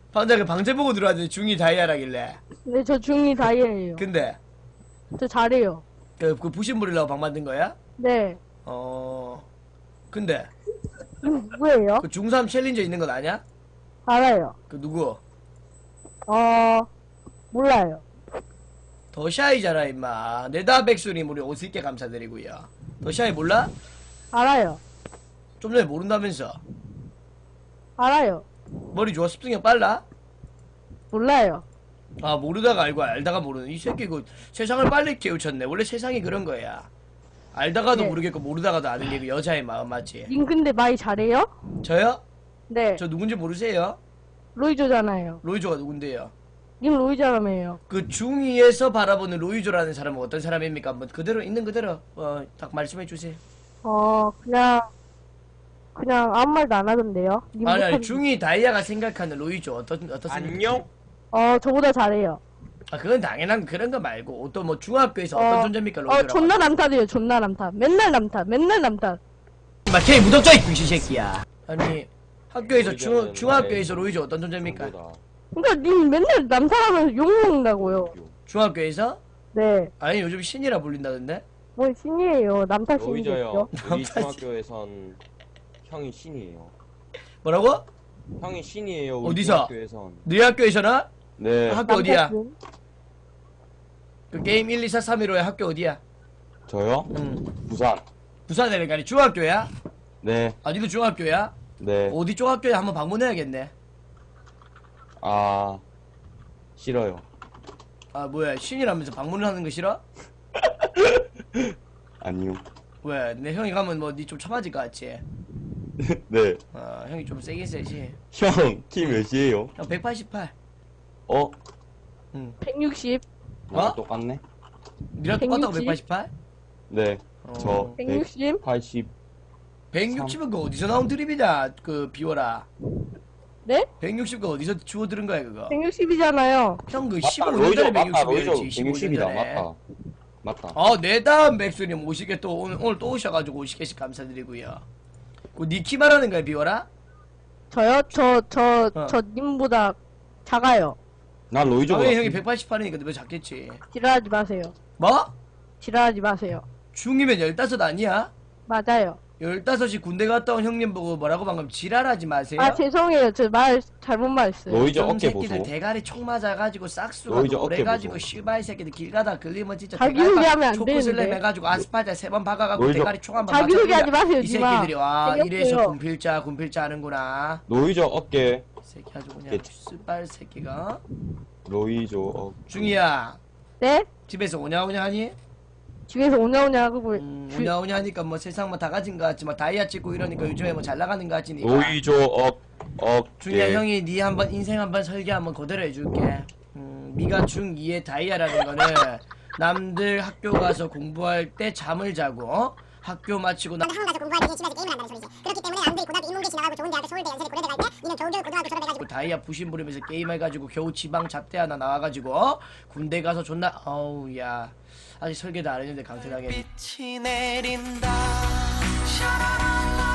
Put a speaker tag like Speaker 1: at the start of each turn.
Speaker 1: 방금 그 방제 보고 들어왔는데 중이 다이아라길래.
Speaker 2: 네, 저 중2 다이아예요.
Speaker 1: 근데
Speaker 2: 저 잘해요.
Speaker 1: 그 부심부리려고 방 만든 거야?
Speaker 2: 네.
Speaker 1: 근데
Speaker 2: 누구예요?
Speaker 1: 그 중3 챌린저 있는 건 아냐?
Speaker 2: 알아요.
Speaker 1: 그 누구?
Speaker 2: 몰라요.
Speaker 1: 더샤이잖아 임마. 네다 백수님 우리 50개 감사드리고요. 더샤이 몰라?
Speaker 2: 알아요.
Speaker 1: 좀 전에 모른다면서.
Speaker 2: 알아요.
Speaker 1: 머리 좋아? 습득력 빨라?
Speaker 2: 몰라요.
Speaker 1: 아 모르다가 알고 알다가 모르는 이 새끼 그 세상을 빨리 깨우쳤네. 원래 세상이 그런 거야. 알다가도
Speaker 2: 네.
Speaker 1: 모르겠고 모르다가도 아는 게 그 여자의 마음 맞지?
Speaker 2: 님 근데 많이 잘해요?
Speaker 1: 저요?
Speaker 2: 네.
Speaker 1: 저 누군지 모르세요?
Speaker 2: 로이조잖아요.
Speaker 1: 로이조가 누군데요?
Speaker 2: 님 로이조라며요.
Speaker 1: 그 중2에서 바라보는 로이조라는 사람은 어떤 사람입니까? 한번 그대로 있는 그대로 딱 말씀해 주세요.
Speaker 2: 그냥 아무 말도 안 하던데요. 님
Speaker 1: 아니
Speaker 2: 못하는-
Speaker 1: 중2 다이아가 생각하는 로이조 어떻습니까?
Speaker 3: 안녕?
Speaker 2: 저보다 잘해요.
Speaker 1: 아 그건 당연한 그런 거 말고 또 뭐 중학교에서 어떤 존재입니까 로이조라고?
Speaker 2: 존나 남탓해요. 존나 남탓. 맨날 남탓.
Speaker 1: 마 걔 무덕자 이 병신 새끼야. 아니 학교에서
Speaker 3: 로이조는
Speaker 1: 중학교에서
Speaker 3: 나의
Speaker 1: 로이조 어떤 존재입니까?
Speaker 3: 정보다.
Speaker 2: 그러니까 님 맨날 남탓하면서 욕먹는다고요.
Speaker 1: 중학교에서?
Speaker 2: 네.
Speaker 1: 아니 요즘 신이라 불린다던데?
Speaker 2: 뭔 신이에요. 남탓
Speaker 3: 로이저요.
Speaker 2: 신이겠죠.
Speaker 3: 우리 중학교에선 형이 신이에요.
Speaker 1: 뭐라고?
Speaker 3: 형이 신이에요. 우리
Speaker 1: 어디서?
Speaker 3: 중학교에선.
Speaker 1: 너희 학교에서나?
Speaker 3: 네.
Speaker 1: 학교 어디야?
Speaker 2: 남탓은?
Speaker 1: 그 게임 1, 2, 4, 3, 1, 5의 학교 어디야?
Speaker 3: 저요?
Speaker 1: 응.
Speaker 3: 부산.
Speaker 1: 부산이니까 아니 중학교야?
Speaker 3: 네.
Speaker 1: 아니도 중학교야?
Speaker 3: 네.
Speaker 1: 어디 쪽 학교에 한번 방문해야겠네.
Speaker 3: 아 싫어요.
Speaker 1: 아 뭐야 신이라면서 방문을 하는 거 싫어?
Speaker 3: 아니요.
Speaker 1: 왜? 내 형이 가면 뭐 니 좀 처맞을 것 같지?
Speaker 3: 네.
Speaker 1: 형이 좀 세긴 세지.
Speaker 3: 형 키 몇이에요?
Speaker 1: 형 188.
Speaker 3: 응.
Speaker 2: 160.
Speaker 3: 나랑
Speaker 1: 어?
Speaker 3: 똑같네.
Speaker 1: 니랑 똑같다고
Speaker 2: 160?
Speaker 1: 188?
Speaker 3: 네. 저
Speaker 2: 160?
Speaker 3: 180.
Speaker 1: 160은 그 어디서 나온 드립이냐? 그 비워라.
Speaker 2: 네?
Speaker 1: 160그 어디서 주워 들은 거야 그거?
Speaker 2: 160이잖아요.
Speaker 1: 형 그
Speaker 3: 맞다.
Speaker 1: 15년
Speaker 3: 로이저
Speaker 1: 전에
Speaker 3: 맞다. 로이저
Speaker 1: 160이었지. 15년
Speaker 3: 160이다.
Speaker 1: 전에.
Speaker 3: 맞다. 맞다.
Speaker 1: 내 다음 맥스님 50개 또 오늘 또 오셔가지고 50개씩 감사드리고요. 그니키 말하는 거야 비워라?
Speaker 2: 저요? 저
Speaker 1: 어.
Speaker 2: 님보다 작아요.
Speaker 3: 난 로이저보다.
Speaker 1: 당연히 형이 188이니까 너 작겠지.
Speaker 2: 지랄하지 마세요.
Speaker 1: 뭐?
Speaker 2: 지랄하지 마세요.
Speaker 1: 중이면 15 아니야?
Speaker 2: 맞아요.
Speaker 1: 15이 군대 갔다 온 형님 보고 뭐라고 방금 지랄하지 마세요?
Speaker 2: 죄송해요. 저 말 잘못 말했어요.
Speaker 3: 로이저
Speaker 1: 좀
Speaker 3: 어깨
Speaker 1: 새끼들
Speaker 3: 보소.
Speaker 1: 대가리 총 맞아가지고 싹수가
Speaker 3: 로이저 어깨
Speaker 1: 오래가지고
Speaker 3: 보소.
Speaker 1: 씨발 새끼들 길 가다 걸리면 진짜
Speaker 2: 자기
Speaker 1: 대가리
Speaker 2: 소개하면 안
Speaker 1: 초코슬램
Speaker 2: 되는데.
Speaker 1: 해가지고 아스팔트에 3번 박아가고
Speaker 3: 로이저-
Speaker 1: 대가리 총 한번
Speaker 2: 자기 소개하지 마세요,
Speaker 1: 이
Speaker 2: 니마.
Speaker 1: 새끼들이 와
Speaker 2: 생겼어요.
Speaker 1: 이래서 군필자 하는구나.
Speaker 3: 로이저 어깨.
Speaker 1: 이 새끼 아주 그냥
Speaker 3: 예.
Speaker 1: 씨발 새끼가.
Speaker 3: 로이저 어깨.
Speaker 1: 중이야
Speaker 2: 네?
Speaker 1: 집에서 오냐오냐 하니?
Speaker 2: 집에서 오냐오냐 하고
Speaker 1: 오냐오냐 하니까 뭐 세상 뭐 다 가진 거 같지 뭐 다이아 찍고 이러니까 요즘에 뭐 잘 나가는 거 같지니까.
Speaker 3: 로이저 어깨.
Speaker 1: 중이야 형이 니 한번 인생 한번 설계 한번 그대로 해줄게. 니가 중2의 다이아라는 거는 남들 학교 가서 공부할 때 잠을 자고 학교 마치고
Speaker 4: 학원 가서 공부하기 위해 집에서 게임을 한다는 소리지. 그렇기 때문에 남들이 고등학교 인문계 지나가고 좋은 대학교 서울대 연세대 고려대 갈 때 니는 겨우겨우 고등학교 졸업해가지고
Speaker 1: 다이아 부심 부리면서 게임해가지고 겨우 지방 잡대 하나 나와가지고 군대 가서 존나 어우 야 아직 설계도 안 했는데 강퇴당해.
Speaker 5: 빛이 내린다 샤라랄라